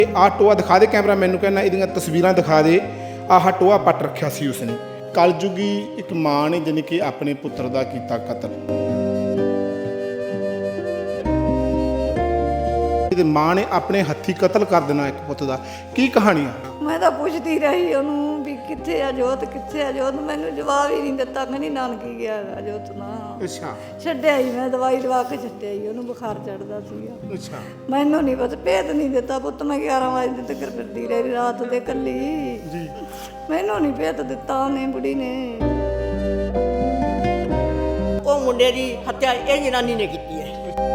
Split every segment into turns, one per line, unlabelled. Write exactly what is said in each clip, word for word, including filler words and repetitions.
ਆ ਟੋਆ ਦਿਖਾ ਦੇ ਕੈਮਰਾ ਮੈਨੂੰ, ਕਹਿੰਦਾ ਇਹਦੀਆਂ ਤਸਵੀਰਾਂ ਦਿਖਾ ਦੇ। ਆਹ ਟੋਆ ਪੱਟ ਰੱਖਿਆ ਸੀ ਉਸਨੇ। ਕਲਯੁਗੀ ਇੱਕ ਮਾਂ ਨੇ ਜਾਣੀ ਕਿ ਆਪਣੇ ਪੁੱਤਰ ਦਾ ਕੀਤਾ ਕਤਲ। ਇਹਦੇ ਮਾਂ ਨੇ ਆਪਣੇ ਹੱਥੀਂ ਕਤਲ ਕਰ ਦੇਣਾ ਇੱਕ ਪੁੱਤ ਦਾ। ਕੀ ਕਹਾਣੀ ਆ?
ਮੈਂ ਤਾਂ ਪੁੱਛਦੀ ਰਹੀ ਉਹਨੂੰ ਵੀ ਕਿੱਥੇ ਆ ਜੋਤ, ਕਿੱਥੇ ਆ ਜੋਤ। ਮੈਨੂੰ ਜਵਾਬ ਹੀ ਨਹੀਂ ਦਿੱਤਾ। ਕਹਿੰਦੀ ਨਾਨਕੀ ਗਿਆ ਹੈਗਾ ਜੋਤ ਨਾ।
ਅੱਛਾ।
ਛੱਡਿਆ ਹੀ, ਮੈਂ ਦਵਾਈ ਦਵਾ ਕੇ ਛੱਡਿਆ ਹੀ। ਉਹਨੂੰ ਬੁਖਾਰ ਚੜਦਾ ਸੀਗਾ।
ਅੱਛਾ।
ਮੈਨੂੰ ਨਹੀਂ ਪਤਾ, ਭੇਤ ਨਹੀਂ ਦਿੱਤਾ ਪੁੱਤ। ਮੈਂ ਗਿਆਰਾਂ ਵਜੇ ਤੱਕ ਫਿਰਦੀ ਰਹੀ ਰਾਤ ਦੇ ਕੱਲੀ ਜੀ। ਮੈਨੂੰ ਨਹੀਂ ਭੇਤ ਦਿੱਤਾ ਉਹਨੇ, ਬੁੜੀ ਨੇ।
ਉਹ ਮੁੰਡੇ ਦੀ ਹੱਤਿਆ ਇਹ ਜਨਾਨੀ ਨੇ ਕੀਤੀ ਹੈ।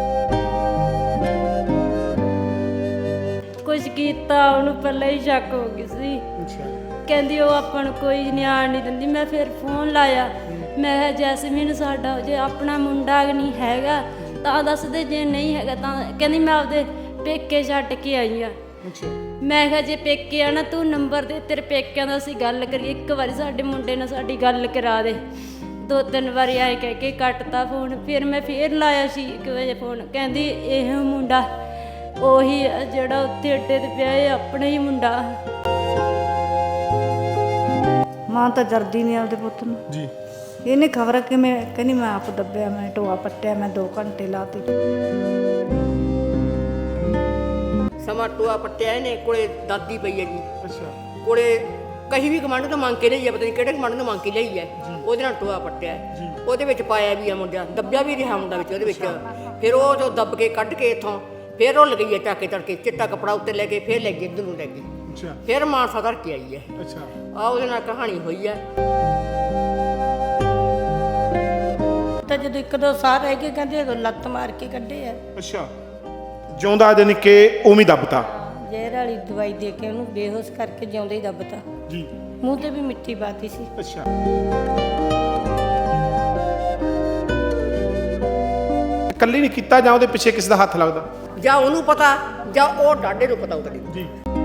ਕੁਝ ਕੀਤਾ ਉਹਨੂੰ ਪਹਿਲਾਂ ਹੀ ਸ਼ੱਕ ਹੋ ਗਈ ਸੀ। ਕਹਿੰਦੀ ਉਹ ਆਪਾਂ ਨੂੰ ਕੋਈ ਨਿਆਣ ਨਹੀਂ ਦਿੰਦੀ। ਮੈਂ ਫਿਰ ਫੋਨ ਲਾਇਆ, ਮੈਂ ਕਿਹਾ ਜੈਸਮੀਨ ਸਾਡਾ ਜੇ ਆਪਣਾ ਮੁੰਡਾ ਨਹੀਂ ਹੈਗਾ ਤਾਂ ਦੱਸ ਦੇ, ਜੇ ਨਹੀਂ ਹੈਗਾ ਤਾਂ। ਕਹਿੰਦੀ ਮੈਂ ਆਪਦੇ ਪੇਕੇ ਛੱਡ ਕੇ ਆਈ ਆ। ਮੈਂ ਕਿਹਾ ਜੇ ਪੇਕੇ ਆ ਨਾ ਤੂੰ ਨੰਬਰ ਦੇ, ਤੇਰੇ ਪੇਕਿਆਂ ਦਾ ਅਸੀਂ ਗੱਲ ਕਰੀਏ। ਇੱਕ ਵਾਰੀ ਸਾਡੇ ਮੁੰਡੇ ਨਾਲ ਸਾਡੀ ਗੱਲ ਕਰਾ ਦੇ। ਦੋ ਤਿੰਨ ਵਾਰੀ ਆਏ ਕਹਿ ਕੇ ਕੱਟਤਾ ਫੋਨ। ਫਿਰ ਮੈਂ ਫੇਰ ਲਾਇਆ ਸੀ ਇੱਕ ਵਜੇ ਫੋਨ। ਕਹਿੰਦੀ ਇਹ ਮੁੰਡਾ ਉਹੀ ਆ ਜਿਹੜਾ ਉੱਥੇ ਅੱਡੇ ਤੇ ਪਿਆ, ਇਹ ਆਪਣਾ ਹੀ ਮੁੰਡਾ।
ਮਾਂ ਤਾਂ ਜਰਦੀ ਨਹੀਂ ਆਪਦੇ ਪੁੱਤ ਨੂੰ ਜੀ। ਇਹਨੇ ਖਬਰ ਕਿ ਮੈਂ ਕਹਿੰਦੀ ਮੈਂ ਆਪ ਦੱਬਿਆ, ਮੈਂ ਟੋਆ ਪੱਟਿਆ, ਮੈਂ ਦੋ ਘੰਟੇ ਲਾਤੇ।
ਸਮਾਂ ਟੋਆ ਪੱਟਿਆ ਇਹਨੇ, ਕੋਲੇ ਦਾਦੀ ਪਈ ਹੈ ਜੀ।
ਅੱਛਾ।
ਕੋਲੇ ਕਹੀ ਵੀ ਕਮਾਂਡ ਤੋਂ ਮੰਗ ਕੇ ਲਈ ਹੈ, ਪਤਾ ਨਹੀਂ ਕਿਹੜੇ ਕਮਾਂਡ ਤੋਂ ਮੰਗ ਕੇ ਲਈ ਹੈ। ਉਹਦੇ ਨਾਲ ਟੋਆ ਪੱਟਿਆ, ਉਹਦੇ ਵਿੱਚ ਪਾਇਆ ਵੀ ਆ ਮੁੰਡਾ, ਦੱਬਿਆ ਵੀ ਰਿਹਾ ਮੁੰਡਾ ਵਿੱਚ ਉਹਦੇ ਵਿੱਚ। ਫਿਰ ਉਹ ਜੋ ਦੱਬ ਕੇ ਕੱਢ ਕੇ ਇੱਥੋਂ ਫਿਰ ਉਹ ਲਗਈ ਹੈ ਟਾਕੇ ਤੜਕੇ, ਚਿੱਟਾ ਕੱਪੜਾ ਉੱਤੇ ਲੈ ਕੇ ਫਿਰ ਲੈ ਗਈ ਇੱਧਰ ਨੂੰ ਲੈ ਕੇ।
ਅੱਛਾ।
ਫਿਰ ਮਾਨਸਾ ਧਰ ਕੇ ਆਈ ਹੈ।
ਅੱਛਾ।
ਆ ਉਹਦੇ ਨਾਲ ਕਹਾਣੀ ਹੋਈ ਹੈ।
ਤਾਂ ਜਦੋਂ ਇੱਕ ਦੋ ਸਾਹ ਰਹਿ ਗਏ ਕਹਿੰਦੇ ਉਦੋਂ ਲੱਤ ਮਾਰ ਕੇ ਕੱਢੇ ਆ।
ਅੱਛਾ। ਜਿਉਂਦਾ ਜਾਣੀ ਕਿ ਉਵੇਂ ਦੱਬਤਾ।
ਜ਼ਹਿਰ ਵਾਲੀ ਦਵਾਈ ਦੇ ਕੇ ਉਹਨੂੰ ਬੇਹੋਸ਼ ਕਰਕੇ ਜਿਉਂਦਾ ਹੀ ਦੱਬਤਾ
ਜੀ।
ਮੂੰਹ ਤੇ ਵੀ ਮਿੱਟੀ ਪਾਤੀ ਸੀ।
ਅੱਛਾ। ਇਕੱਲੀ ਨਹੀਂ ਕੀਤਾ ਜਾਂ ਉਹਦੇ ਪਿੱਛੇ ਕਿਸ ਦਾ ਹੱਥ ਲੱਗਦਾ?
ਜਾਂ ਉਹਨੂੰ ਪਤਾ ਜਾਂ ਉਹ ਡਾਡੇ ਨੂੰ ਪਤਾ ਉਤਰੀ
ਜੀ।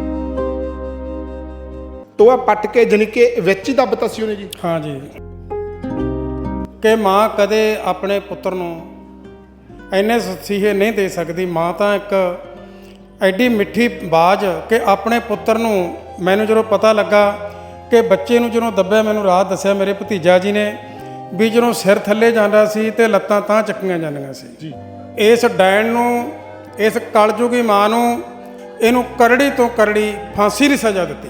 ਟੋਆ ਪੱਟ ਕੇ ਜਾਣੀ ਕਿ ਵਿੱਚ ਹੀ ਦੱਬਤਾ ਸੀ ਉਹਨੇ ਜੀ।
ਹਾਂ ਜੀ, ਕਿ ਮਾਂ ਕਦੇ ਆਪਣੇ ਪੁੱਤਰ ਨੂੰ ਇੰਨੇ ਸਸੀਹੇ ਨਹੀਂ ਦੇ ਸਕਦੀ। ਮਾਂ ਤਾਂ ਇੱਕ ਐਡੀ ਮਿੱਠੀ ਬਾਜ਼ ਕਿ ਆਪਣੇ ਪੁੱਤਰ ਨੂੰ, ਮੈਨੂੰ ਜਦੋਂ ਪਤਾ ਲੱਗਾ ਕਿ ਬੱਚੇ ਨੂੰ ਜਦੋਂ ਦੱਬਿਆ, ਮੈਨੂੰ ਰਾਤ ਦੱਸਿਆ ਮੇਰੇ ਭਤੀਜਾ ਜੀ ਨੇ ਵੀ ਜਦੋਂ ਸਿਰ ਥੱਲੇ ਜਾਂਦਾ ਸੀ ਤੇ ਲੱਤਾਂ ਤਾਂ ਚੱਕੀਆਂ ਜਾਂਦੀਆਂ ਸੀ ਜੀ। ਇਸ ਡੈਣ ਨੂੰ, ਇਸ ਕਲਯੁਗੀ ਮਾਂ ਨੂੰ, ਇਹਨੂੰ ਕਰੜੀ ਤੋਂ ਕਰੜੀ ਫਾਂਸੀ ਦੀ ਸਜ਼ਾ ਦਿੱਤੀ।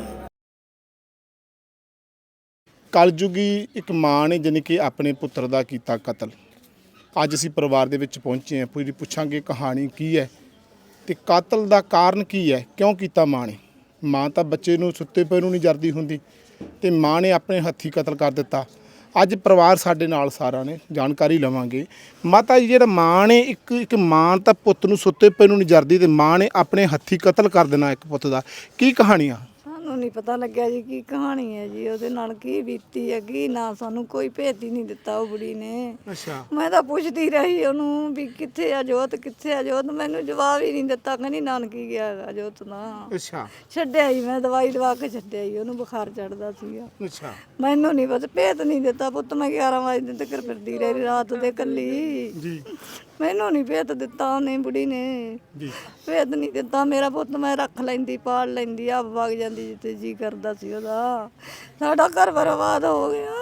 ਕਲਯੁਗੀ ਇੱਕ ਮਾਂ ਨੇ ਜਾਣੀ ਕਿ ਆਪਣੇ ਪੁੱਤਰ ਦਾ ਕੀਤਾ ਕਤਲ। ਅੱਜ ਅਸੀਂ ਪਰਿਵਾਰ ਦੇ ਵਿੱਚ ਪਹੁੰਚੇ ਹਾਂ, ਪੂਰੀ ਪੁੱਛਾਂਗੇ ਕਹਾਣੀ ਕੀ ਹੈ ਤੇ ਕਤਲ ਦਾ ਕਾਰਨ ਕੀ ਹੈ, ਕਿਉਂ ਕੀਤਾ ਮਾਂ ਨੇ। ਮਾਂ ਤਾਂ ਬੱਚੇ ਨੂੰ ਸੁੱਤੇ ਪਏ ਨੂੰ ਨਹੀਂ ਜਰਦੀ ਹੁੰਦੀ ਤੇ ਮਾਂ ਨੇ ਆਪਣੇ ਹੱਥੀਂ ਕਤਲ ਕਰ ਦਿੱਤਾ। ਅੱਜ ਪਰਿਵਾਰ ਸਾਡੇ ਨਾਲ ਸਾਰਾ ਨੇ, ਜਾਣਕਾਰੀ ਲਵਾਂਗੇ। ਮਾਤਾ ਜੀ, ਜਿਹੜਾ ਮਾਂ ਨੇ ਇੱਕ ਇੱਕ ਮਾਂ ਤਾਂ ਪੁੱਤ ਨੂੰ ਸੁੱਤੇ ਪਏ ਨੂੰ ਨਹੀਂ ਜਰਦੀ ਤੇ ਮਾਂ ਨੇ ਆਪਣੇ ਹੱਥੀਂ ਕਤਲ ਕਰ ਦੇਣਾ ਇੱਕ ਪੁੱਤ ਦਾ, ਕੀ ਕਹਾਣੀ ਆ?
ਸਾਨੂੰ ਨਹੀਂ ਪਤਾ ਲੱਗਿਆ ਜੀ ਕੀ ਕਹਾਣੀ ਹੈ ਜੀ, ਉਹਦੇ ਨਾਲ ਕੀ ਬੀਤੀ ਹੈ ਕੀ ਨਾ। ਸਾਨੂੰ ਕੋਈ ਭੇਤ ਹੀ ਨਹੀਂ ਦਿੱਤਾ ਉਹ ਬੁੜੀ ਨੇ।
ਅੱਛਾ।
ਮੈਂ ਤਾਂ ਪੁੱਛਦੀ ਰਹੀ ਉਹਨੂੰ ਵੀ ਕਿੱਥੇ ਆ ਜੋਤ, ਕਿੱਥੇ ਆ ਜੋਤ। ਮੈਨੂੰ ਜਵਾਬ ਹੀ ਨਹੀਂ ਦਿੱਤਾ। ਕਹਿੰਦੀ ਨਾਨਕੀ ਗਿਆ ਹੈਗਾ ਜੋਤ ਨਾ।
ਅੱਛਾ।
ਛੱਡਿਆ ਹੀ, ਮੈਂ ਦਵਾਈ ਦਵਾ ਕੇ ਛੱਡਿਆ ਹੀ। ਉਹਨੂੰ ਬੁਖਾਰ ਚੜਦਾ ਸੀਗਾ।
ਅੱਛਾ।
ਮੈਨੂੰ ਨਹੀਂ ਪਤਾ, ਭੇਤ ਨਹੀਂ ਦਿੱਤਾ ਪੁੱਤ। ਮੈਂ ਗਿਆਰਾਂ ਵਜੇ ਤੱਕ ਫਿਰਦੀ ਰਹੀ ਰਾਤ ਦੇ ਕੱਲੀ
ਜੀ।
ਮੈਨੂੰ ਨਹੀਂ ਭੇਤ ਦਿੱਤਾ ਉਹਨੇ, ਬੁੜੀ ਨੇ
ਜੀ। ਭੇਤ
ਨਹੀਂ ਦਿੱਤਾ। ਮੇਰਾ ਪੁੱਤ ਮੈਂ ਰੱਖ ਲੈਂਦੀ, ਪਾਲ ਲੈਂਦੀ, ਆਪ ਵਗ ਜਾਂਦੀ ਜਿੱਥੇ ਜੀ ਕਰਦਾ ਸੀ ਉਹਦਾ। ਸਾਡਾ ਘਰ ਬਰਬਾਦ ਹੋ ਗਿਆ।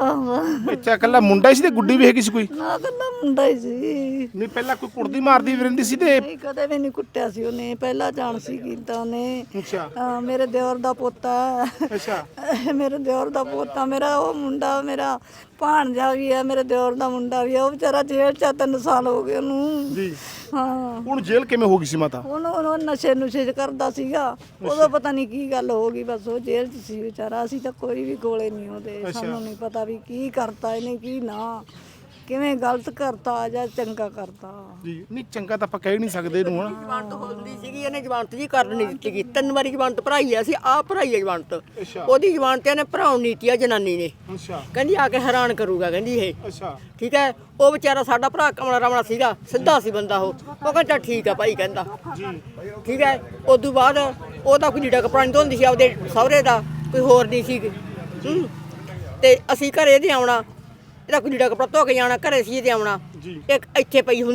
ਬੱਚਾ ਇਕੱਲਾ ਮੁੰਡਾ ਹੀ ਸੀ ਤੇ ਗੁੱਡੀ ਵੀ ਹੈਗੀ ਸੀ ਕੋਈ?
ਨਾ ਇਕੱਲਾ ਮੁੰਡਾ ਹੀ ਸੀ।
ਨਹੀਂ, ਪਹਿਲਾਂ ਕੋਈ ਕੁੜਦੀ ਮਾਰਦੀ ਵੀ ਰਹਿੰਦੀ ਸੀ ਤੇ?
ਨਹੀਂ, ਕਦੇ ਵੀ ਨਹੀਂ ਕੁੱਟਿਆ ਸੀ ਉਹਨੇ। ਪਹਿਲਾਂ ਜਾਣ ਸੀ ਕੀਤਾ ਉਹਨੇ।
ਅੱਛਾ।
ਹਾਂ, ਮੇਰੇ ਦਿਓਰ ਦਾ ਪੋਤਾ।
ਅੱਛਾ।
ਮੇਰੇ ਦਿਓਰ ਦਾ ਪੋਤਾ, ਮੇਰਾ ਉਹ ਮੁੰਡਾ, ਮੇਰਾ ਭਾਣਜਾ ਵੀ ਹੈ, ਮੇਰੇ ਦਿਓਰ ਦਾ ਮੁੰਡਾ ਵੀ ਹੈ। ਉਹ ਵਿਚਾਰਾ ਜੇਲ੍ਹ 'ਚ ਤਿੰਨ ਸਾਲ ਹੋ ਗਏ ਉਹਨੂੰ ਜੀ। ਹਾਂ।
ਹੁਣ ਜੇਲ੍ਹ ਕਿਵੇਂ ਹੋ ਗਈ ਸੀ ਮਾਤਾ?
ਉਹਨੂੰ ਉਹ ਨਸ਼ੇ ਨੁਸ਼ੇ ਕਰਦਾ ਸੀਗਾ। ਉਦੋਂ ਪਤਾ ਨਹੀਂ ਕੀ ਗੱਲ ਹੋ ਗਈ, ਬਸ ਉਹ ਜੇਲ੍ਹ 'ਚ ਸੀ ਵਿਚਾਰਾ। ਅਸੀਂ ਤਾਂ ਕੋਈ ਵੀ ਕੋਲੇ ਨਹੀਂ ਉਹਦੇ। ਸਾਨੂੰ ਨਹੀਂ ਪਤਾ ਵੀ ਕੀ ਕਰਤਾ ਇਹਨੇ, ਕੀ ਨਾ, ਕਿਵੇਂ ਗਲਤ ਕਰਤਾ ਜਾਂ ਚੰਗਾ ਕਰਤਾ
ਜੀ। ਨਹੀਂ, ਚੰਗਾ ਤਾਂ ਆਪਾਂ ਕਹਿ ਨਹੀਂ ਸਕਦੇ ਇਹਨੂੰ। ਹੁਣ
ਜ਼ਮਾਨਤ ਹੁੰਦੀ ਸੀਗੀ, ਇਹਨੇ ਜ਼ਮਾਨਤ ਜੀ ਕਰ ਨਹੀਂ ਦਿੱਤੀ ਗਈ। ਤਿੰਨ ਵਾਰੀ ਜ਼ਮਾਨਤ ਭਰਾਈ ਹੈ, ਅਸੀਂ ਆਪ ਭਰਾਈ ਹੈ ਜ਼ਮਾਨਤ। ਉਹਦੀ ਜ਼ਮਾਨਤ ਇਹਨੇ ਭਰਾਉਣ ਨਹੀਂ ਦਿੱਤੀ ਆ ਜਨਾਨੀ ਨੇ।
ਅੱਛਾ।
ਕਹਿੰਦੀ ਆ ਕੇ ਹੈਰਾਨ ਕਰੂਗਾ, ਕਹਿੰਦੀ ਇਹ।
ਅੱਛਾ।
ਠੀਕ ਹੈ। ਉਹ ਵਿਚਾਰਾ ਸਾਡਾ ਭਰਾ ਕਮਲਾ ਰਾਵਣਾ ਸੀਗਾ, ਸਿੱਧਾ ਸੀ ਬੰਦਾ। ਉਹ ਉਹ ਕਹਿੰਦਾ ਠੀਕ ਆ ਭਾਈ, ਕਹਿੰਦਾ ਜੀ। ਠੀਕ ਹੈ। ਉਦੋਂ ਬਾਅਦ ਉਹਦਾ ਕੋਈ ਲੀੜਾ ਕੱਪੜਾ ਨਹੀਂ ਧੋਂਦੀ ਸੀ ਆਪਦੇ ਸਹੁਰੇ ਦਾ, ਕੋਈ ਹੋਰ ਨਹੀਂ ਸੀ। ਹੂੰ। ਤੇ ਅਸੀਂ ਘਰੇ ਇਹਦੇ ਆਉਣਾ, ਇਹਦਾ ਕੋਈ ਲੀੜਾ ਕੱਪੜਾ ਧੋ ਕੇ ਜਾਣਾ, ਘਰੇ ਸੀ ਇਹਦੇ ਆਉਣਾ। ਇੱਕ ਇੱਥੇ ਪਈ ਹੁੰਦੀ,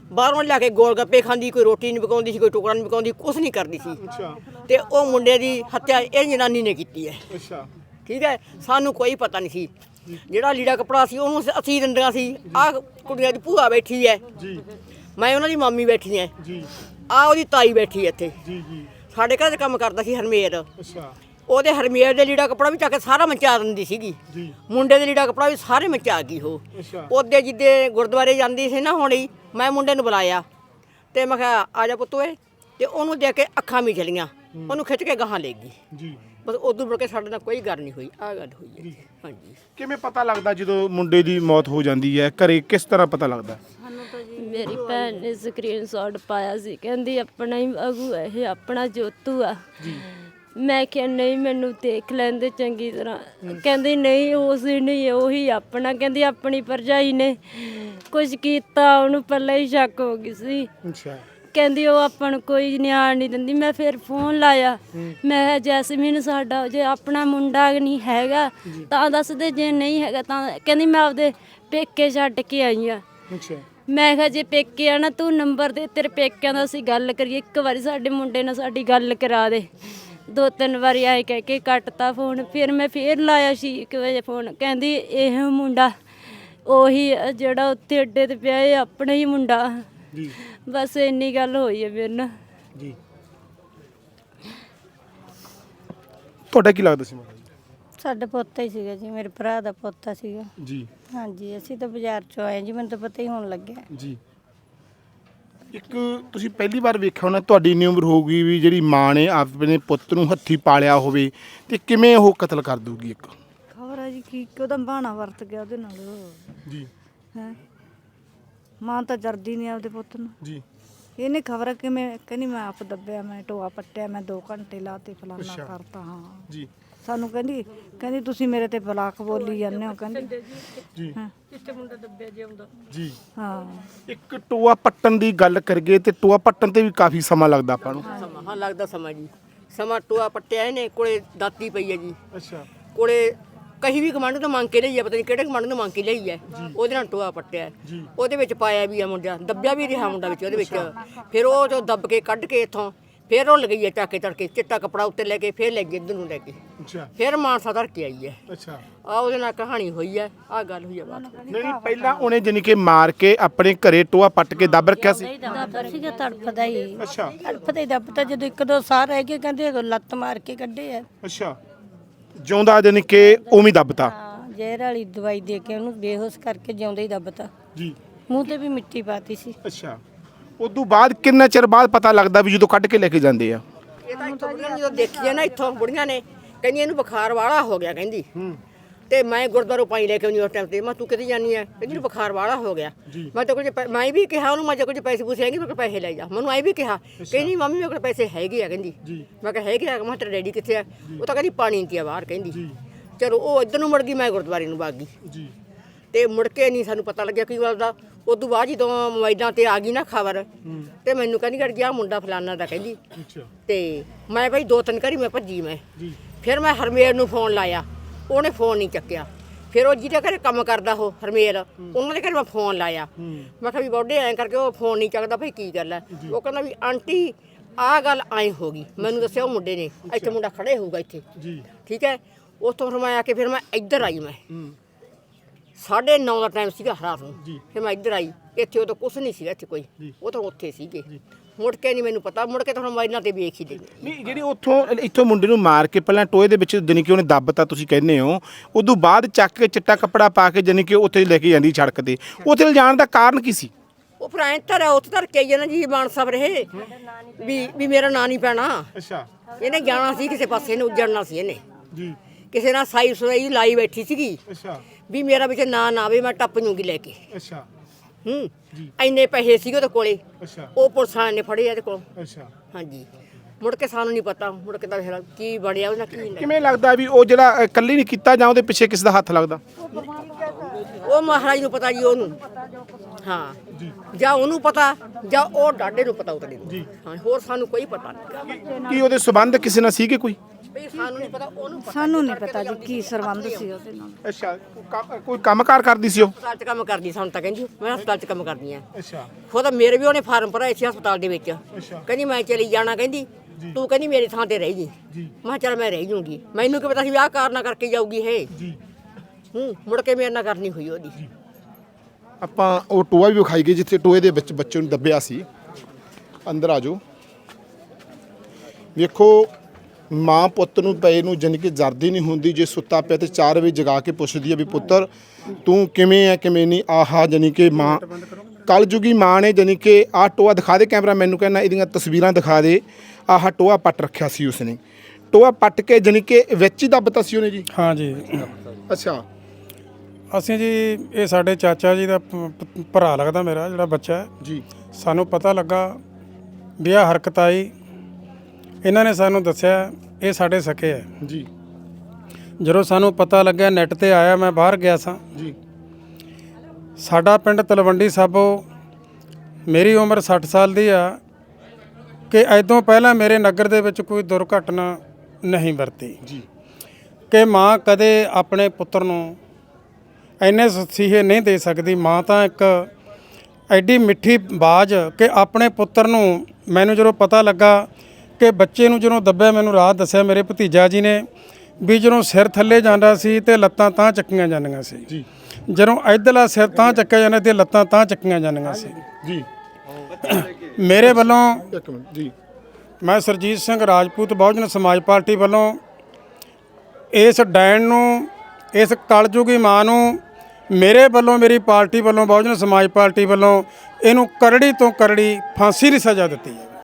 ਬਾਹਰੋਂ ਲਿਆ ਕੇ ਗੋਲ ਗੱਪੇ ਖਾਂਦੀ, ਕੋਈ ਰੋਟੀ ਨਹੀਂ ਪਕਾਉਂਦੀ ਸੀ, ਕੋਈ ਟੁਕੜਾ ਨਹੀਂ ਪਕਾਉਂਦੀ, ਕੁਛ ਨਹੀਂ ਕਰਦੀ ਸੀ।
ਅੱਛਾ
ਤੇ ਉਹ ਮੁੰਡੇ ਦੀ ਹੱਤਿਆ ਇਹ ਜਨਾਨੀ ਨੇ ਕੀਤੀ ਹੈ।
ਅੱਛਾ
ਠੀਕ ਹੈ, ਸਾਨੂੰ ਕੋਈ ਪਤਾ ਨਹੀਂ ਸੀ। ਜਿਹੜਾ ਲੀੜਾ ਕੱਪੜਾ ਸੀ ਉਹਨੂੰ ਅਸੀਂ ਦਿੰਦੀਆਂ ਸੀ। ਆਹ ਕੁੜੀਆਂ ਦੀ ਭੂਆ ਬੈਠੀ ਹੈ
ਜੀ
ਮੈਂ ਉਹਨਾਂ ਦੀ ਮਾਮੀ ਬੈਠੀ ਹੈ,
ਜੀ
ਆਹ ਉਹਦੀ ਤਾਈ ਬੈਠੀ ਹੈ ਇੱਥੇ।
ਜੀ ਜੀ
ਸਾਡੇ ਘਰ 'ਚ ਕੰਮ ਕਰਦਾ ਸੀ ਹਰਮੇਰ,
ਅੱਛਾ
ਉਹਦੇ ਹਰਮੇਰ ਦੇ ਲੀੜਾ ਕੱਪੜਾ ਵੀ ਚੱਕ ਕੇ ਸਾਰਾ ਮਚਾ ਦਿੰਦੀ ਸੀਗੀ।
ਜੀ
ਮੁੰਡੇ ਦੇ ਲੀੜਾ ਕੱਪੜਾ ਵੀ ਸਾਰੇ ਮਚਾ ਗਈ ਉਹ।
ਅੱਛਾ
ਉਹਦੇ ਜਿੱਦੇ ਗੁਰਦੁਆਰੇ ਜਾਂਦੀ ਸੀ ਨਾ ਹੁਣ ਹੀ ਮੈਂ ਮੁੰਡੇ ਨੂੰ ਬੁਲਾਇਆ ਤੇ ਮੈਂ ਕਿਹਾ ਆ ਜਾ ਪੁੱਤ ਓਏ, ਤੇ ਉਹਨੂੰ ਦੇਖ ਕੇ ਅੱਖਾਂ ਵੀ ਚਲੀਆਂ, ਉਹਨੂੰ ਖਿੱਚ ਕੇ ਗਾਹਾਂ ਲੈ ਗਈ।
ਜੀ
ਬਸ ਉਦੋਂ ਮੁੜ ਕੇ ਸਾਡੇ ਨਾਲ ਕੋਈ ਗੱਲ ਨਹੀਂ ਹੋਈ। ਆਹ ਗੱਲ ਹੋਈ ਹੈ। ਹਾਂਜੀ
ਕਿਵੇਂ ਪਤਾ ਲੱਗਦਾ ਜਦੋਂ ਮੁੰਡੇ ਦੀ ਮੌਤ ਹੋ ਜਾਂਦੀ ਹੈ ਘਰੇ, ਕਿਸ ਤਰ੍ਹਾਂ ਪਤਾ ਲੱਗਦਾ?
ਮੇਰੀ ਭੈਣ ਨੇ ਸਕਰੀਨਸ਼ਾਟ ਪਾਇਆ ਸੀ, ਕਹਿੰਦੀ ਆਪਣਾ ਹੀ ਅਗੂ ਹੈ ਇਹ, ਆਪਣਾ ਜੋਤੂ ਆ। ਮੈਂ ਕਿਹਾ ਨਹੀਂ ਮੈਨੂੰ ਦੇਖ ਲੈਂਦੇ ਚੰਗੀ ਤਰ੍ਹਾਂ। ਕਹਿੰਦੀ ਨਹੀਂ ਉਸ ਨਹੀਂ ਉਹੀ ਆਪਣਾ। ਕਹਿੰਦੀ ਆਪਣੀ ਭਰਜਾਈ ਨੇ ਕੁਝ ਕੀਤਾ, ਉਹਨੂੰ ਪਹਿਲਾਂ ਹੀ ਸ਼ੱਕ ਹੋ ਗਈ ਸੀ।
ਅੱਛਾ
ਕਹਿੰਦੀ ਉਹ ਆਪਾਂ ਨੂੰ ਕੋਈ ਨਿਆਣ ਨਹੀਂ ਦਿੰਦੀ। ਮੈਂ ਫਿਰ ਫੋਨ ਲਾਇਆ, ਮੈਂ ਕਿਹਾ ਜੈਸਮੀਨ ਸਾਡਾ ਜੇ ਆਪਣਾ ਮੁੰਡਾ ਨਹੀਂ ਹੈਗਾ ਤਾਂ ਦੱਸ ਦੇ, ਜੇ ਨਹੀਂ ਹੈਗਾ ਤਾਂ। ਕਹਿੰਦੀ ਮੈਂ ਆਪਦੇ ਪੇਕੇ ਛੱਡ ਕੇ ਆਈ ਆ।
ਅੱਛਾ
ਮੈਂ ਕਿਹਾ ਜੇ ਪੇਕੇ ਆ ਨਾ ਤੂੰ ਨੰਬਰ ਦੇ, ਤੇਰੇ ਪੇਕਿਆਂ ਦਾ ਅਸੀਂ ਗੱਲ ਕਰੀਏ। ਇੱਕ ਵਾਰੀ ਸਾਡੇ ਮੁੰਡੇ ਨਾਲ ਸਾਡੀ ਗੱਲ ਕਰਾ ਦੇ। ਦੋ ਤਿੰਨ ਵਾਰੀ ਆਏ ਕਹਿ ਕੇ ਕੱਟਤਾ ਫੋਨ। ਫਿਰ ਮੈਂ ਫੇਰ ਲਾਇਆ ਛੇ ਕੁ ਵਜੇ ਫੋਨ, ਕਹਿੰਦੀ ਇਹ ਮੁੰਡਾ ਉਹੀ ਆ ਜਿਹੜਾ ਉੱਥੇ ਅੱਡੇ ਤੇ ਪਿਆ, ਇਹ ਆਪਣਾ ਹੀ ਮੁੰਡਾ।
ਜੀ
ਬਸ ਇੰਨੀ ਗੱਲ ਹੋਈ ਹੈ ਮੇਰੇ ਨਾਲ।
ਜੀ ਤੁਹਾਡਾ ਕੀ ਲੱਗਦਾ ਸੀ ਮਾਤਾ ਜੀ?
ਸਾਡਾ ਪੋਤਾ ਹੀ ਸੀਗਾ ਜੀ, ਮੇਰੇ ਭਰਾ ਦਾ ਪੋਤਾ ਸੀਗਾ
ਜੀ
ਹਾਂਜੀ। ਅਸੀਂ ਤਾਂ ਬਾਜ਼ਾਰ ਚੋਂ ਆਏ ਜੀ, ਮੈਨੂੰ ਤਾਂ ਪਤਾ ਹੀ ਹੋਣ ਲੱਗਿਆ।
ਜੀ ਇੱਕ ਤੁਸੀਂ ਪਹਿਲੀ ਵਾਰ ਵੇਖਿਆ ਹੋਣਾ, ਤੁਹਾਡੀ ਇੰਨੀ ਉਮਰ ਹੋਊਗੀ ਵੀ ਜਿਹੜੀ ਮਾਂ ਨੇ ਆਪਣੇ ਪੁੱਤ ਨੂੰ ਹੱਥੀ ਪਾਲਿਆ ਹੋਵੇ ਤੇ ਕਿਵੇਂ ਉਹ ਕਤਲ ਕਰ ਦੂਗੀ? ਇੱਕ
ਖਬਰ ਹੈ ਜੀ ਕੀ ਉਹਦਾ ਬਹਾਨਾ ਵਰਤ ਗਿਆ ਉਹਦੇ ਨਾਲ।
ਜੀ
ਹੈ ਮਾਂ ਤਾਂ ਜਰਦੀ ਨਹੀਂ ਆਪਦੇ ਪੁੱਤ ਨੂੰ।
ਜੀ
ਇਹਨੇ ਖਬਰ ਕਿਵੇਂ ਕਹਿੰਦੀ ਮੈਂ ਆਪ ਦੱਬਿਆ, ਮੈਂ ਟੋਆ ਪੱਟਿਆ, ਮੈਂ ਦੋ ਘੰਟੇ ਲਾਤੇ ਫਲਾਨਾ ਕਰਤਾ। ਹਾਂ
ਜੀ
ਸਾਨੂੰ ਕਹਿੰਦੀ ਕਹਿੰਦੀ ਤੁਸੀਂ ਮੇਰੇ ਤੇ ਬਲਾਕ ਬੋਲੀ ਜਾਂਦੇ ਹੋ। ਕਹਿੰਦੀ
ਜੀ
ਹਾਂ
ਕਿੱਥੇ ਮੁੰਡਾ ਦੱਬਿਆ ਜਿਉਂਦਾ।
ਜੀ
ਹਾਂ
ਇੱਕ ਟੋਆ ਪੱਟਣ ਦੀ ਗੱਲ ਕਰੀਏ ਤੇ ਟੋਆ ਪੱਟਣ ਤੇ ਵੀ ਕਾਫੀ ਸਮਾਂ ਲੱਗਦਾ ਆਪਾਂ ਨੂੰ।
ਸਮਾਂ ਹਾਂ ਲੱਗਦਾ ਸਮਾਂ ਜੀ। ਸਮਾਂ ਟੋਆ ਪੱਟਿਆ ਇਹਨੇ, ਕੋਲੇ ਦਾਤੀ ਪਈ ਹੈ ਜੀ,
ਅੱਛਾ
ਕੋਲੇ ਕਹੀ ਵੀ ਕਮਾਂਡ ਤੋਂ ਮੰਗ ਕੇ ਲਈ ਹੈ, ਪਤਾ ਨਹੀਂ ਕਿਹੜੇ ਕਮਾਂਡ ਤੋਂ ਮੰਗ ਕੇ ਲਈ ਹੈ। ਉਹਦੇ ਨਾਲ ਟੋਆ ਪੱਟਿਆ, ਉਹਦੇ ਵਿੱਚ ਪਾਇਆ ਵੀ ਆ ਮੁੰਡਾ, ਦੱਬਿਆ ਵੀ ਰਿਹਾ ਮੁੰਡਾ ਵਿੱਚ ਉਹਦੇ ਵਿੱਚ। ਫਿਰ ਉਹ ਜੋ ਦੱਬ ਕੇ ਕੱਢ ਕੇ ਇੱਥੋਂ ਫਿਰ ਉਹ ਲਗਈ ਹੈ ਚੱਕ ਕੇ ਤੜਕੇ, ਚਿੱਟਾ ਕੱਪੜਾ ਉੱਤੇ ਲੈ ਕੇ ਫਿਰ ਲੈ ਗਈ ਇੱਧਰ ਨੂੰ ਲੈ ਕੇ,
ਅੱਛਾ
ਫਿਰ ਮਾਨਸਾ ਧਰ ਕੇ ਆਈ ਹੈ।
ਅੱਛਾ
ਆ ਉਹਦੇ ਨਾਲ ਕਹਾਣੀ ਹੋਈ ਹੈ, ਆਹ ਗੱਲ ਹੋਈ ਹੈ ਬਾਤ।
ਨਹੀਂ ਪਹਿਲਾਂ ਉਹਨੇ ਜਾਨੀ ਕਿ ਮਾਰ ਕੇ ਆਪਣੇ ਘਰੇ ਟੋਆ ਪੱਟ ਕੇ ਦੱਬ ਰੱਖਿਆ ਸੀ।
ਦੱਬਦਾ ਸੀਗਾ ਤੜਫਦਾ ਹੀ।
ਅੱਛਾ
ਤੜਫਦਾ ਹੀ ਦੱਬਦਾ, ਜਦੋਂ ਇੱਕ ਦੋ ਸਾਹ ਰਹਿ ਗਏ ਕਹਿੰਦੇ ਲੱਤ ਮਾਰ ਕੇ ਕੱਢੇ ਆ।
ਅੱਛਾ ਜਿਉਂਦਾ ਜਾਨੀ ਕਿ ਉਵੇਂ ਦੱਬਤਾ।
ਹਾਂ ਜ਼ਹਿਰ ਵਾਲੀ ਦਵਾਈ ਦੇ ਕੇ ਉਹਨੂੰ ਬੇਹੋਸ਼ ਕਰਕੇ ਜਿਉਂਦਾ ਹੀ ਦੱਬਤਾ।
ਜੀ
ਮੂੰਹ ਤੇ ਵੀ ਮਿੱਟੀ ਪਾਤੀ ਸੀ।
ਅੱਛਾ ਉਦੋਂ ਬਾਅਦ ਕਿੰਨਾ ਚਿਰ ਬਾਅਦ ਪਤਾ ਲੱਗਦਾ ਵੀ ਜਦੋਂ ਕੱਢ ਕੇ ਲੈ ਕੇ ਜਾਂਦੇ ਆ?
ਇਹ ਤਾਂ ਇੱਥੋਂ ਬੁੜੀਆਂ ਨੇ ਜਦੋਂ ਦੇਖੀ ਹੈ ਨਾ, ਇੱਥੋਂ ਬੁੜੀਆਂ ਨੇ ਕਹਿੰਦੀ ਇਹਨੂੰ ਬੁਖਾਰ ਵਾਲਾ ਹੋ ਗਿਆ ਕਹਿੰਦੀ। ਤੇ ਮੈਂ ਗੁਰਦੁਆਰੋਂ ਪਾਈ ਲੈ ਕੇ ਆਉਂਦੀ ਉਸ ਟਾਈਮ ਤੇ। ਮੈਂ ਤੂੰ ਕਿੱਥੇ ਜਾਨੀ ਹੈ? ਕਹਿੰਦੀ ਇਹਨੂੰ ਬੁਖਾਰ ਵਾਲਾ ਹੋ ਗਿਆ। ਮੈਂ ਤਾਂ ਕੁਝ ਪੈ- ਮੈਂ ਵੀ ਕਿਹਾ ਉਹਨੂੰ, ਮੈਂ ਜੇ ਕੁਝ ਪੈਸੇ ਪੂਸੇ ਹੈਗੇ ਮੇਰੇ ਕੋਲ ਪੈਸੇ ਲੈ ਜਾ। ਮੈਨੂੰ ਐ ਵੀ ਕਿਹਾ, ਕਹਿੰਦੀ ਮੰਮੀ ਮੇਰੇ ਕੋਲ ਪੈਸੇ ਹੈਗੇ ਆ ਕਹਿੰਦੀ। ਮੈਂ ਕਿਹਾ ਹੈਗੇ ਆ? ਮੈਂ ਕਿਹਾ ਤੇਰਾ ਡੈਡੀ ਕਿੱਥੇ ਆ? ਉਹ ਤਾਂ ਕਹਿੰਦੀ ਪਾਣੀ ਨਹੀਂ ਆ ਬਾਹਰ ਕਹਿੰਦੀ। ਚਲੋ ਉਹ ਇੱਧਰ ਨੂੰ ਮੁੜ ਗਈ, ਮੈਂ ਗੁਰਦੁਆਰੇ ਨੂੰ ਵਗ ਗਈ।
ਜੀ
ਤੇ ਮੁੜ ਕੇ ਨਹੀਂ ਸਾਨੂੰ ਪਤਾ ਲੱਗਿਆ ਕੀ ਗੱਲ ਦਾ। ਉਦੋਂ ਬਾਅਦ ਜਦੋਂ ਮੋਬਾਈਲਾਂ ਤੇ ਆ ਗਈ ਨਾ ਖਬਰ, ਤੇ ਮੈਨੂੰ ਕਹਿੰਦੀ ਕਰ ਗਿਆ ਮੁੰਡਾ ਫਲਾਨਾ ਦਾ ਕਹਿੰਦੀ।
ਅੱਛਾ
ਤੇ ਮੈਂ ਭਾਈ ਦੋ ਤਿੰਨ ਘਰੀ ਮੈਂ ਭੱਜੀ ਮੈਂ। ਫਿਰ ਮੈਂ ਹਰਮੇਰ ਨੂੰ ਫੋਨ ਲਾਇਆ, ਉਹਨੇ ਫੋਨ ਨਹੀਂ ਚੱਕਿਆ। ਫਿਰ ਉਹ ਜਿਹਦੇ ਘਰੇ ਕੰਮ ਕਰਦਾ ਉਹ ਹਰਮੇਰ, ਉਹਨਾਂ ਦੇ ਘਰੇ ਮੈਂ ਫੋਨ ਲਾਇਆ। ਮੈਂ ਕਿਹਾ ਵੀ ਬੌਡੇ ਐਂ ਕਰਕੇ ਉਹ ਫੋਨ ਨਹੀਂ ਚੱਕਦਾ, ਭਾਈ ਕੀ ਗੱਲ ਹੈ? ਉਹ ਕਹਿੰਦਾ ਵੀ ਆਂਟੀ ਆਹ ਗੱਲ ਐਂ ਹੋ ਗਈ। ਮੈਨੂੰ ਦੱਸਿਆ ਉਹ ਮੁੰਡੇ ਨੇ, ਇੱਥੇ ਮੁੰਡਾ ਖੜੇ ਹੋਊਗਾ ਇੱਥੇ।
ਜੀ
ਠੀਕ ਹੈ। ਉੱਥੋਂ ਫਿਰ ਮੈਂ ਆ ਕੇ ਫਿਰ ਮੈਂ ਇੱਧਰ ਆਈ। ਮੈਂ ਸਾਢੇ ਨੌ ਦਾ ਟਾਈਮ ਸੀਗਾ ਰਾਤ ਨੂੰ। ਫਿਰ ਮੈਂ ਇੱਧਰ ਆਈ, ਇੱਥੇ ਉਦੋਂ ਕੁਛ ਨਹੀਂ ਸੀਗਾ ਇੱਥੇ ਕੋਈ, ਉਹ ਤਾਂ ਉੱਥੇ ਸੀਗੇ। ਮੁੜ ਕੇ ਨਹੀਂ ਮੈਨੂੰ ਪਤਾ, ਮੁੜ ਕੇ ਤਾਂ ਮੋਬਾਈਲਾਂ ਤੇ ਵੇਖ ਹੀ ਲਈ।
ਨਹੀਂ ਜਿਹੜੀ ਉੱਥੋਂ ਇੱਥੋਂ ਮੁੰਡੇ ਨੂੰ ਮਾਰ ਕੇ ਪਹਿਲਾਂ ਟੋਏ ਦੇ ਵਿੱਚ ਜਾਨੀ ਕਿ ਉਹਨੇ ਦੱਬਤਾ ਤੁਸੀਂ ਕਹਿੰਦੇ ਹੋ, ਉਦੋਂ ਬਾਅਦ ਚੱਕ ਕੇ ਚਿੱਟਾ ਕੱਪੜਾ ਪਾ ਕੇ ਜਾਨੀ ਕਿ ਉੱਥੇ ਲੈ ਕੇ ਜਾਂਦੀ ਸੜਕ ਤੇ, ਉੱਥੇ ਲਿਜਾਣ ਦਾ ਕਾਰਨ ਕੀ ਸੀ?
ਉਹ ਫਿਰ ਐਂ ਧਰਿਆ ਉੱਥੇ ਧਰ ਕੇ ਆਈ ਨਾ ਜੀ ਮਾਨਸਾ ਰਹੇ ਵੀ ਵੀ ਮੇਰਾ ਨਾਂ ਨਹੀਂ ਪੈਣਾ।
ਅੱਛਾ
ਇਹਨੇ ਜਾਣਾ ਸੀ ਕਿਸੇ ਪਾਸੇ ਨੂੰ, ਉੱਜੜਨਾ ਸੀ ਇਹਨੇ।
ਜੀ
ਕਿਸੇ ਨਾਲ ਸਾਈ ਸੁਈ ਲਾਈ ਬੈਠੀ ਸੀਗੀ
ਅੱਛਾ
ਵੀ ਮੇਰਾ ਵਿੱਚ ਨਾਂ ਨਾ ਆਵੇ, ਮੈਂ ਟੱਪ ਜੂਗੀ ਲੈ ਕੇ।
ਅੱਛਾ
ਹੂੰ ਇੰਨੇ ਪੈਸੇ ਸੀਗੇ ਉਹਦੇ ਕੋਲੇ,
ਅੱਛਾ
ਉਹ ਪੁਲਿਸ ਵਾਲਿਆਂ ਨੇ ਫੜੇ ਇਹਦੇ ਕੋਲ।
ਅੱਛਾ
ਹਾਂਜੀ ਮੁੜ ਕੇ ਸਾਨੂੰ ਨਹੀਂ ਪਤਾ, ਮੁੜ ਕੇ ਤਾਂ ਫਿਰ ਕੀ ਬਣਿਆ ਉਹਨਾਂ ਕੀ ਨਹੀਂ।
ਕਿਵੇਂ ਲੱਗਦਾ ਵੀ ਉਹ ਜਿਹੜਾ ਇਕੱਲੀ ਨਹੀਂ ਕੀਤਾ ਜਾਂ ਉਹਦੇ ਪਿੱਛੇ ਕਿਸ ਦਾ ਹੱਥ ਲੱਗਦਾ?
ਉਹ ਮਹਾਰਾਜ ਨੂੰ ਪਤਾ ਜੀ, ਉਹਨੂੰ ਹਾਂ ਜਾਂ ਉਹਨੂੰ ਪਤਾ ਜਾਂ ਉਹ ਡਾਡੇ ਨੂੰ ਪਤਾ ਉਤਲੇ ਨੂੰ। ਹਾਂ ਹੋਰ ਸਾਨੂੰ ਕੋਈ ਪਤਾ ਨਹੀਂ।
ਕੀ ਉਹਦੇ ਸਬੰਧ ਕਿਸੇ ਨਾਲ ਸੀਗੇ ਕੋਈ?
ਵੀ ਅਸੀਂ ਸਾਨੂੰ ਨਹੀਂ ਪਤਾ ਉਹਨੂੰ ਪਤਾ
ਸਾਨੂੰ ਨਹੀਂ ਪਤਾ ਜੀ ਕੀ ਸਰਬੰਧ ਸੀ ਉਹਦੇ ਨਾਲ।
ਅੱਛਾ ਕੰਮ- ਕੋਈ ਕੰਮਕਾਰ ਕਰਦੀ ਸੀ ਉਹ?
ਹਸਪਤਾਲ 'ਚ ਕੰਮ ਕਰਦੀ ਸਾਨੂੰ ਤਾਂ ਕਹਿੰਦੀ ਮੈਂ ਹਸਪਤਾਲ 'ਚ ਕੰਮ ਕਰਦੀ ਆ।
ਅੱਛਾ
ਖੁਦ ਮੇਰੇ ਵੀ ਉਹਨੇ ਫਾਰਮ ਭਰਾਏ ਸੀ ਹਸਪਤਾਲ ਦੇ ਵਿੱਚ।
ਅੱਛਾ
ਕਹਿੰਦੀ ਮੈਂ ਚਲੀ ਜਾਣਾ, ਕਹਿੰਦੀ ਤੂੰ ਕਹਿੰਦੀ ਮੇਰੀ ਥਾਂ ਤੇ ਰਹਿ ਜੀ। ਮੈਂ ਕਿਹਾ ਚੱਲ ਮੈਂ ਰਹਿ ਜੂੰਗੀ, ਮੈਨੂੰ ਕੀ ਪਤਾ ਸੀ ਵੀ ਆਹ ਕਾਰਨਾ ਕਰਕੇ ਜਾਊਗੀ ਇਹ।
ਜੀ
ਹੂੰ ਮੁੜ ਕੇ ਮੇਰੇ ਨਾਲ ਕਰਨੀ ਹੋਈ ਉਹਦੀ।
ਆਪਾਂ ਉਹ ਟੋਆ ਵੀ ਵਿਖਾਈ ਗਈ ਜਿੱਥੇ ਟੋਏ ਦੇ ਵਿੱਚ ਬੱਚੇ ਨੂੰ ਦੱਬਿਆ ਸੀ। ਅੰਦਰ ਆ ਜਾਓ। ਵੇਖੋ ਮਾਂ ਪੁੱਤ ਨੂੰ ਪਏ ਨੂੰ ਜਾਣੀ ਕਿ ਜਰਦੀ ਨਹੀਂ ਹੁੰਦੀ, ਜੇ ਸੁੱਤਾ ਪਿਆ ਤੇ ਚਾਰ ਵਜੇ ਜਗਾ ਕੇ ਪੁੱਛਦੀ ਹੈ ਵੀ ਪੁੱਤਰ ਤੂੰ ਕਿਵੇਂ ਹੈ ਕਿਵੇਂ ਨਹੀਂ। ਆਹਾ ਜਾਣੀ ਕਿ ਮਾਂ ਕਲਯੁਗੀ ਮਾਂ ਨੇ ਜਾਣੀ ਕਿ ਆਹ ਟੋਆ ਦਿਖਾ ਦੇ ਕੈਮਰਾ ਮੈਨੂੰ, ਕਹਿੰਦਾ ਇਹਦੀਆਂ ਤਸਵੀਰਾਂ ਦਿਖਾ ਦੇ। ਆਹ ਟੋਆ ਪੱਟ ਰੱਖਿਆ ਸੀ ਉਸਨੇ, ਟੋਆ ਪੱਟ ਕੇ ਜਾਣੀ ਕਿ ਵਿੱਚ ਹੀ ਦੱਬਤਾ ਸੀ ਉਹਨੇ ਜੀ।
ਹਾਂ ਜੀ।
ਅੱਛਾ
ਅਸੀਂ ਜੀ ਇਹ ਸਾਡੇ ਚਾਚਾ ਜੀ ਦਾ ਭ- ਭ- ਭਰਾ ਲੱਗਦਾ ਮੇਰਾ ਜਿਹੜਾ ਬੱਚਾ ਹੈ।
ਜੀ
ਸਾਨੂੰ ਪਤਾ ਲੱਗਾ ਵੀ ਆਹ ਹਰਕਤ ਆਈ, ਇਹਨਾਂ ਨੇ ਸਾਨੂੰ ਦੱਸਿਆ ਇਹ ਸਾਡੇ ਸਕੇ ਹੈ।
ਜੀ
ਜਦੋਂ ਸਾਨੂੰ ਪਤਾ ਲੱਗਿਆ ਨੈੱਟ ਤੇ ਆਇਆ, ਮੈਂ ਬਾਹਰ ਗਿਆ ਸਾਂ
ਜੀ
ਸਾਡਾ ਪਿੰਡ ਤਲਵੰਡੀ ਸਾਬੋ, ਮੇਰੀ ਉਮਰ ਸੱਠ ਸਾਲ ਦੀ ਆ ਕਿ ਐਦੋਂ ਪਹਿਲਾਂ ਮੇਰੇ ਨਗਰ ਦੇ ਵਿੱਚ ਕੋਈ ਦੁਰਘਟਨਾ ਨਹੀਂ ਵਰਤੀ
ਜੀ
ਕਿ ਮਾਂ ਕਦੇ ਆਪਣੇ ਪੁੱਤਰ ਨੂੰ ਇੰਨੇ ਸੁਸੀਹੇ ਨਹੀਂ ਦੇ ਸਕਦੀ। ਮਾਂ ਤਾਂ ਇੱਕ ਐਡੀ ਮਿੱਠੀ ਬਾਜ਼ ਕਿ ਆਪਣੇ ਪੁੱਤਰ ਨੂੰ, ਮੈਨੂੰ ਜਦੋਂ ਪਤਾ ਲੱਗਾ ਕਿ ਬੱਚੇ ਨੂੰ ਜਦੋਂ ਦੱਬਿਆ, ਮੈਨੂੰ ਰਾਤ ਦੱਸਿਆ ਮੇਰੇ ਭਤੀਜਾ ਜੀ ਨੇ ਵੀ ਜਦੋਂ ਸਿਰ ਥੱਲੇ ਜਾਂਦਾ ਸੀ ਤੇ ਲੱਤਾਂ ਤਾਂ ਚੱਕੀਆਂ ਜਾਂਦੀਆਂ ਸੀ,
ਜੀ
ਜਦੋਂ ਇੱਧਰਲਾ ਸਿਰ ਤਾਂ ਚੱਕਿਆ ਜਾਂਦਾ ਤੇ ਲੱਤਾਂ ਤਾਂ ਚੱਕੀਆਂ ਜਾਂਦੀਆਂ ਸੀ।
ਜੀ
ਮੇਰੇ ਵੱਲੋਂ
ਇੱਕ ਮਿੰਟ ਜੀ
ਮੈਂ ਸਰਜੀਤ ਸਿੰਘ ਰਾਜਪੂਤ ਬਹੁਜਨ ਸਮਾਜ ਪਾਰਟੀ ਵੱਲੋਂ ਇਸ ਡੈਣ ਨੂੰ, ਇਸ ਕਲਯੁਗੀ ਮਾਂ ਨੂੰ, ਮੇਰੇ ਵੱਲੋਂ, ਮੇਰੀ ਪਾਰਟੀ ਵੱਲੋਂ, ਬਹੁਜਨ ਸਮਾਜ ਪਾਰਟੀ ਵੱਲੋਂ ਇਹਨੂੰ ਕਰੜੀ ਤੋਂ ਕਰੜੀ ਫਾਂਸੀ ਦੀ ਸਜ਼ਾ ਦਿੱਤੀ ਹੈ।